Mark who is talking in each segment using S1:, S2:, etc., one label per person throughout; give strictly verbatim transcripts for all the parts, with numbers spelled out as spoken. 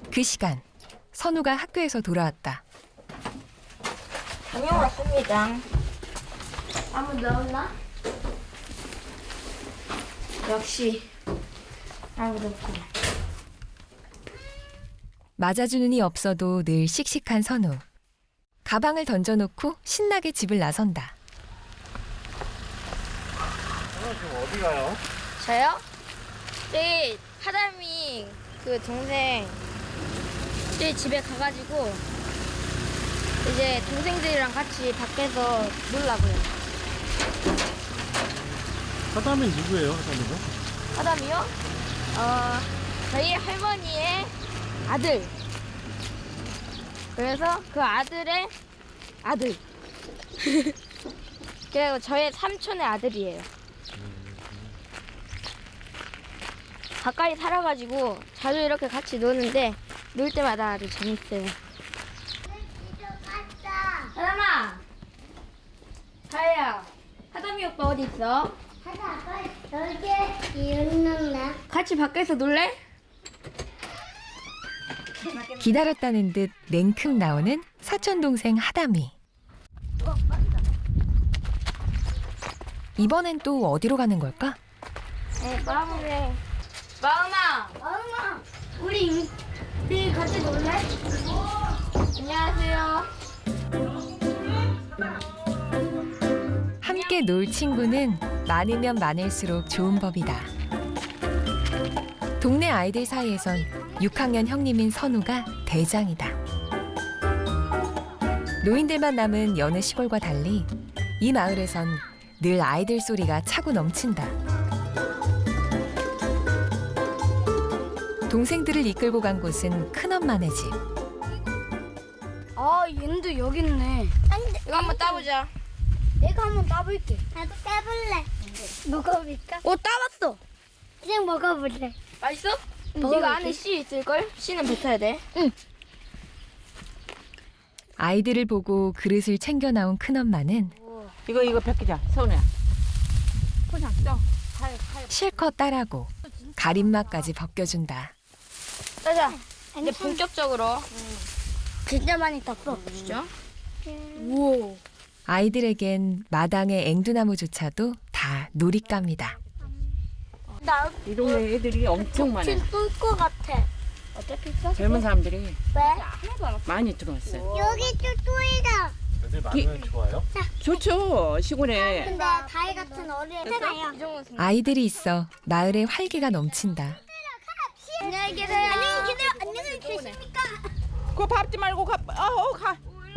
S1: 그 시간 선우가 학교에서 돌아왔다.
S2: 다녀왔습니다. 아무도 없나? 역시 아무도 없고.
S1: 맞아주는 이 없어도 늘 씩씩한 선우. 가방을 던져놓고 신나게 집을 나선다.
S3: 지금 어디 가요?
S2: 저요? 저기 하담이 그 동생 저희 집에 가가지고 이제 동생들이랑 같이 밖에서 놀라고요.
S3: 하담이 누구예요, 하담이가?
S2: 하담이요? 어, 저희 할머니의 아들. 그래서 그 아들의 아들. 그리고 저의 삼촌의 아들이에요. 가까이 살아가지고 자주 이렇게 같이 노는데 놀 때마다 아주 재밌어요. 하담아, 하야, 하담이 오빠 어디 있어?
S4: 하다 아빠 여기 있는데
S2: 같이 밖에서 놀래?
S1: 기다렸다는 듯 냉큼 나오는 사촌동생 하담이. 이번엔 또 어디로 가는 걸까?
S2: 네, 마음에 마음아,
S4: 엄마 우리 우리 같이 놀래?
S2: 안녕하세요.
S1: 함께 놀 친구는 많으면 많을수록 좋은 법이다. 동네 아이들 사이에선 육 학년 형님인 선우가 대장이다. 노인들만 남은 여느 시골과 달리 이 마을에선 늘 아이들 소리가 차고 넘친다. 동생들을 이끌고 간 곳은 큰엄마네 집.
S4: 아 얘도 여기 있네.
S2: 이거 한번 따보자.
S4: 내가 한번 따볼게. 나도 따볼래. 먹어볼까?
S2: 오, 따봤어.
S4: 이제 먹어볼래.
S2: 맛있어?
S4: 먹어볼게.
S2: 이거 안에 씨 있을걸? 씨는 뱉어야 돼.
S1: 아이들을 보고 그릇을 챙겨 나온 큰엄마는
S5: 이거 이거 벗기자 서운이야. 포장 떠.
S1: 실컷 따라고 가림막까지 벗겨준다.
S2: 따자. 이제 본격적으로.
S4: 진짜 많이 땄어.
S2: 진짜?
S4: 우와.
S1: 아이들에겐 마당의 앵두나무조차도 다 놀잇감이다.
S4: 나
S5: 이 동네 애들이 엄청 많아.
S4: 지금 뚫것 같아.
S2: 어차피 있어?
S5: 젊은 사람들이
S4: 왜?
S5: 많이 들어왔어요.
S4: 여기 뚫뚫이다.
S3: 애들 많으면 좋아요?
S5: 좋죠 시골에.
S4: 근데 다이 같은 어린 애가요.
S2: 이 정도 생각.
S1: 아이들이 있어 마을에 활기가 넘친다.
S4: 안녕히 계세요. 안녕히 계세요. 안녕히 계십니까?
S5: 그거 밟지 말고 가. 어, 가.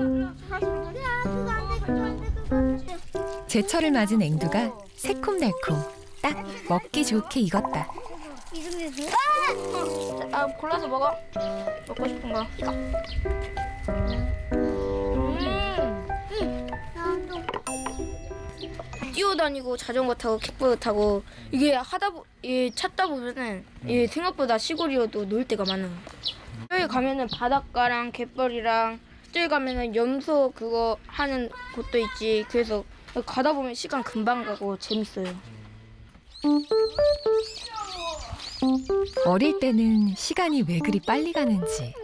S1: 제철을 맞은 앵두가 새콤달콤 딱 먹기 좋게 익었다.
S2: 아, 골라서 먹어. 먹고 싶은 거. 뛰어다니고 자전거 타고 킥보드 타고 이게 하다 보, 이 찾다 보면은 이 생각보다 시골이어도 놀 데가 많아. 여기 가면은 바닷가랑 갯벌이랑 저기 가면은 염소 그거 하는 곳도 있지. 그래서 가다 보면 시간 금방 가고 재밌어요.
S1: 어릴 때는 시간이 왜 그리 빨리 가는지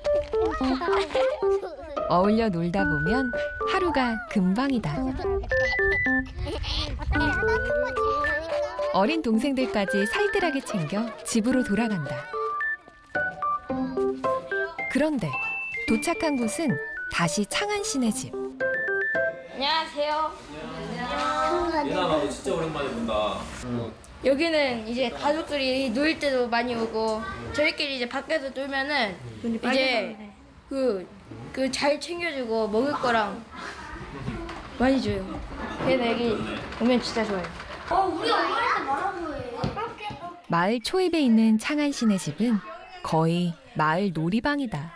S1: 어울려 놀다 보면 하루가 금방이다. 어린 동생들까지 살뜰하게 챙겨 집으로 돌아간다. 그런데 도착한 곳은 다시 창한 씨네 집.
S2: 안녕하세요.
S6: 예나 나도 진짜 오랜만에 본다.
S2: 여기는 이제 가족들이 놀 때도 많이 오고 저희끼리 이제 밖에서 놀면은 이제 그 그 잘 챙겨주고 먹을 거랑 많이 줘요. 그래서 여기 오면 진짜 좋아요.
S1: 마을 초입에 있는 창한 씨네 집은 거의 마을 놀이방이다.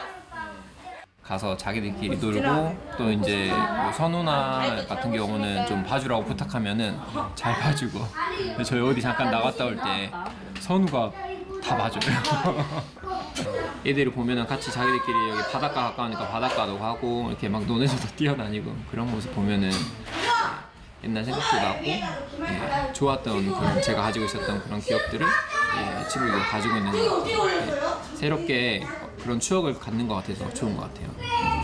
S6: 가서 자기들끼리 놀고 또 이제 뭐 선우나 같은 경우는 좀 봐주라고 부탁하면은 잘 봐주고 저희 어디 잠깐 나갔다 올 때 선우가 다 봐줘요. 얘들을 보면은 같이 자기들끼리 여기 바닷가 가까우니까 바닷가도 가고 이렇게 막 논에서도 뛰어다니고 그런 모습 보면은 옛날 생각도 나고 예, 좋았던 그런 제가 가지고 있었던 그런 기억들을 예, 친구들이 가지고 있는 것 같아요. 예, 새롭게 그런 추억을 갖는 것 같아서 좋은 것 같아요.